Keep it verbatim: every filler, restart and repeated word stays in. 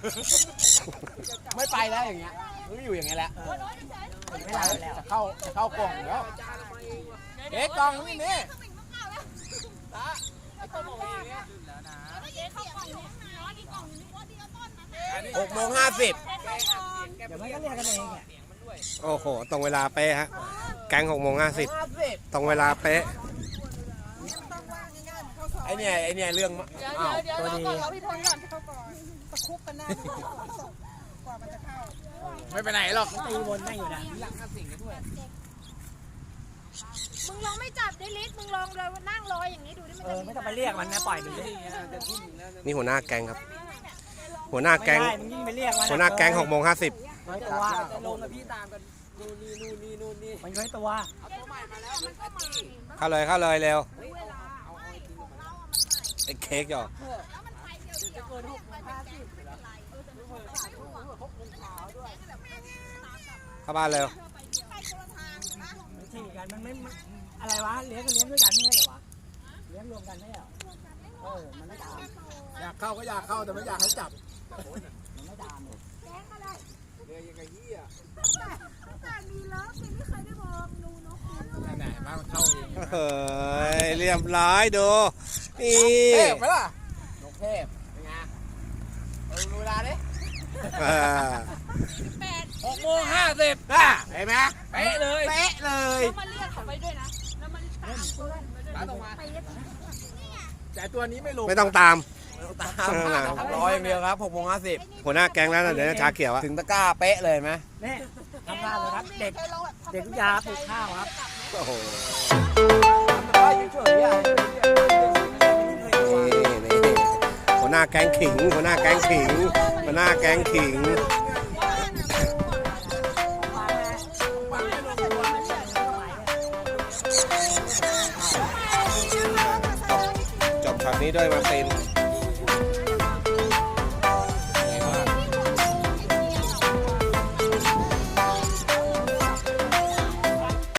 ไม่ไปแล้วอย่างเงี้ยรู้อยู่อย่างเงี้ยแหละไม่ไปแล้วจะเข้าจะเข้ากล่องแล้วเอ๊ะกล่องนี่นี่หกโมงห้าสิบเดี๋ยวไม่ก็เรียกกันเองอ่ะโอ้โหตรงเวลาเป๊ะฮะแกงหกโมงห้าสิบตรงเวลาเป๊ะไอเนี่ยไอเนี่ยเรื่องอ้าวตัวดีเราพี่ทนก่อนเข้าก่อนตะคุบกันหน้ากว่ามันจะเข้าไม่ไปไหนหรอกตีวนไม่อยู่นะหลังสิ่งกันด้วยมึงลองไม่จับได้ลิศมึงลองเลยนั่งรออย่างนี้ดูดิมันจะไม่ต้องไปเรียกมันนะปล่อยมันเลยนี่หัวหน้าแกงครับหัวหน้าแกงหัวหน้าแกงหกโมงห้าสิบน้อยตัวลงกับพี่ตามกันนู่นนี่นู่นนี่นู่นนี่มันน้อยตัวเข้าเลยเข้าเลยเร็วไอ้เค้กหยอกเข้าบ้านเร็วที่กันมันไม่อะไรวะเลี้ยงก็เลี้ยงด้วยกันไม่ใช่เหรอวะเลี้ยงรวมกันไม่เหรอเออมันไม่ตามอยากเข้าก็อยากเข้าแต่ไม่อยากให้จับมันไม่ตามเลยแกงอะไรเรือยังไงเหี้ยแต่มีเลิฟไม่เคยได้มองดูนกไหนๆมาเข้าเองเฮ้ยเรียบร้อยดูนี่เทพไหมล่ะนกเทพเป็นไงเออดูเวลาดิหกโมงห้าสิบอ่ะเห็นไหมเป๊ะเลยเป๊ะเลยแล้วมาเรียกเขาไปด้วยนะแล้วมันตามเพื่อนตามตรงมาแต่ตัวนี้ไม่ลงไม่ต้องตามตามรออย่างเดียวครับหกโมงห้าสิบหัวหน้าแกงแล้วนะเดี๋ยวชาเขียวอะถึงตะกร้าเป๊ะเลยไหมนี่ทำงานเลยครับเด็กเด็กยาปลูกข้าวครับโอ้โหหัวหน้าแกงขิงหัวหน้าแกงขิงหัวหน้าแกงขิงจบช็อตนี้ด้วยมาร์ติน